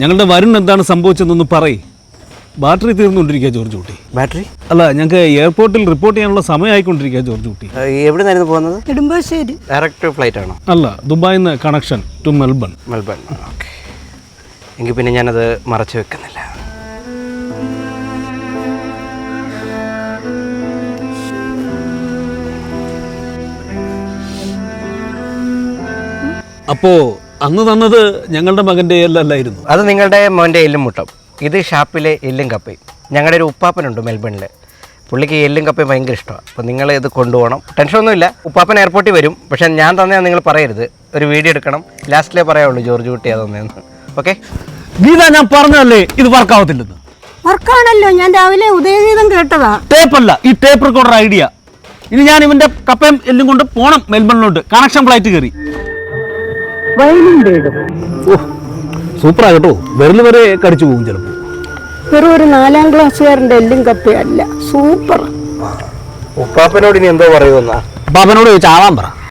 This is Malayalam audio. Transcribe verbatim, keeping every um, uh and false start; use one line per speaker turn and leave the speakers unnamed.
ഞങ്ങളുടെ വരുൺ എന്താണ് സംഭവിച്ചതെന്നൊന്ന് പറയ്. ബാറ്ററി തീർന്നുകൊണ്ടിരിക്കുക ജോർജ് കുട്ടി.
ബാറ്ററി
അല്ല, ഞങ്ങൾക്ക് എയർപോർട്ടിൽ റിപ്പോർട്ട് ചെയ്യാനുള്ള സമയമായിക്കൊണ്ടിരിക്കുക ജോർജ് കുട്ടി.
എവിടെ നിന്നായിരുന്നു പോകുന്നത്?
നെടുമ്പാശ്ശേരി.
ഡയറക്റ്റ് ഫ്ലൈറ്റ് ആണോ?
അല്ല, ദുബായിൽ നിന്ന് connection to Melbourne.
Melbourne, okay. എങ്കിൽ പിന്നെ ഞാനത് മറച്ചു വെക്കുന്നില്ല.
അപ്പോൾ അന്ന് തന്നത് ഞങ്ങളുടെ മകൻ്റെ എല്ലല്ലായിരുന്നു.
അത് നിങ്ങളുടെ മോൻ്റെ എല്ലും മുട്ടം. ഇത് ഷാപ്പിലെ എല്ലും കപ്പയും. ഞങ്ങളുടെ ഒരു ഉപ്പാപ്പനുണ്ട് മെൽബണിൽ. പുള്ളിക്ക് എല്ലും കപ്പയും ഭയങ്കര ഇഷ്ടമാണ്. അപ്പോൾ നിങ്ങൾ ഇത് കൊണ്ടുപോകണം. ടെൻഷനൊന്നുമില്ല, ഉപ്പാപ്പൻ എയർപോർട്ടിൽ വരും. പക്ഷേ ഞാൻ തന്നെയാണ് നിങ്ങൾ പറയരുത്. ഒരു വീഡിയോ എടുക്കണം. ലാസ്റ്റിലേ പറയാവുള്ളൂ ജോർജ് കുട്ടി അതൊന്നേന്ന്. ഓക്കെ
ഗീത, ഞാൻ പറഞ്ഞതല്ലേ ഇത് വർക്കാവത്തില്ലെന്ന്.
വർക്കാണല്ലോ, ഞാൻ രാവിലെ ഉദയഗീതം കേട്ടതാ.
ടേപ്പല്ല, ഈ ടേപ്പ് റെക്കോർഡർ ഐഡിയ. ഇനി ഞാൻ ഇവന്റെ കപ്പയും എല്ലും കൊണ്ട് പോണം മെൽബണിലോട്ട്. കണക്ഷൻ ഫ്ലൈറ്റ് കയറി. സൂപ്പറാ കേട്ടോ. വിരൽ വരെ കടിച്ചു പോകും ചിലപ്പോൾ.
വെറും ഒരു നാലാം ക്ലാസ്സുകാരൻ്റെ എല്ലും കപ്പയല്ല, സൂപ്പർ.
ഉപ്പാപ്പനോട് ഇനി എന്തോ പറയുമെന്നാ?
അപ്പൊ അവനോട് ചോദിച്ചാവാൻ പറ.